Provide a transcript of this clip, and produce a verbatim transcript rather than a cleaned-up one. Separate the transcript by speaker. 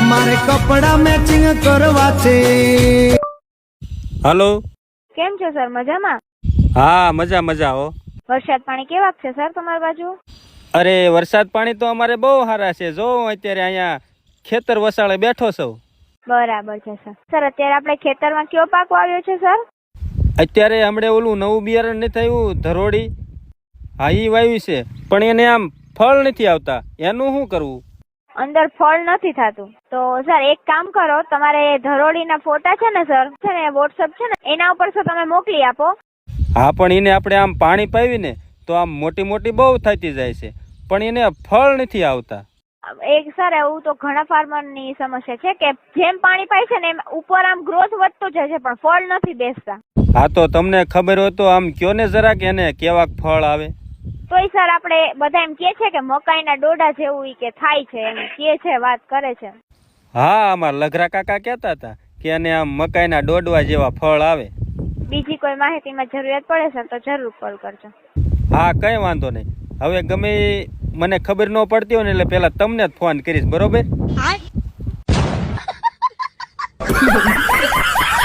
Speaker 1: મારે કપડા મેચિંગ કરવા છે.
Speaker 2: હાલો,
Speaker 3: કેમ છો સર? મજામાં?
Speaker 2: હા મજા મજા હો.
Speaker 3: વરસાદ પાણી કેવાક છે સર તમારી બાજુ?
Speaker 2: અરે વરસાદ પાણી તો અમારે બહુ સારા છે. જો અત્યારે અહીંયા ખેતર વસાળે બેઠો છું.
Speaker 3: બરાબર છે સર. સર અત્યારે આપણે ખેતરમાં કયો પાક વાવ્યો છે સર?
Speaker 2: અત્યારે હમણે ઓલું નવું બિયારણ નથી થયું ધરોડી, હા ઈ વાવ્યું છે, પણ એને આમ ફળ નથી આવતા. એનું શું કરવું?
Speaker 3: અંદર ફળ નથી થતું તો સર એક કામ કરો, તમારે ધરોડીના ફોટા છે ને સર, છે ને વોટ્સઅપ છે ને એના ઉપર સર તમે મોકલી આપો.
Speaker 2: હા પણ એને આપણે આમ પાણી પાવીને તો આમ મોટી મોટી બહુ થતી જાય છે, પણ એને ફળ નથી આવતા.
Speaker 3: એક સર એવું તો ઘણા ફાર્મરની સમસ્યા છે કે જેમ પાણી પાય છે ને એમ ઉપર આમ ગ્રોથ વધતો જાય છે પણ ફળ નથી બેસતા.
Speaker 2: હા તો તમને ખબર હોય તો આમ કયો ને જરાક એને કેવાક ફળ આવે.
Speaker 3: તોય સર આપણે બધા એમ કે છે કે મકાઈના ડોડા જેવું ઈ કે થાય છે, એમ કે છે, વાત કરે છે.
Speaker 2: હા અમારા લઘરા કાકા કહેતા હતા કે એને આમ મકાઈના ડોડવા જેવા ફળ આવે.
Speaker 3: બીજી કોઈ માહિતીમાં જરૂરિયાત પડે સર તો જરૂર કોલ કરજો.
Speaker 2: હા કઈ વાંધો નહીં. હવે ગમે ઈ મને ખબર ન પડતી હોય ને એટલે પેલા તમને જ ફોન કરીશ, બરોબર?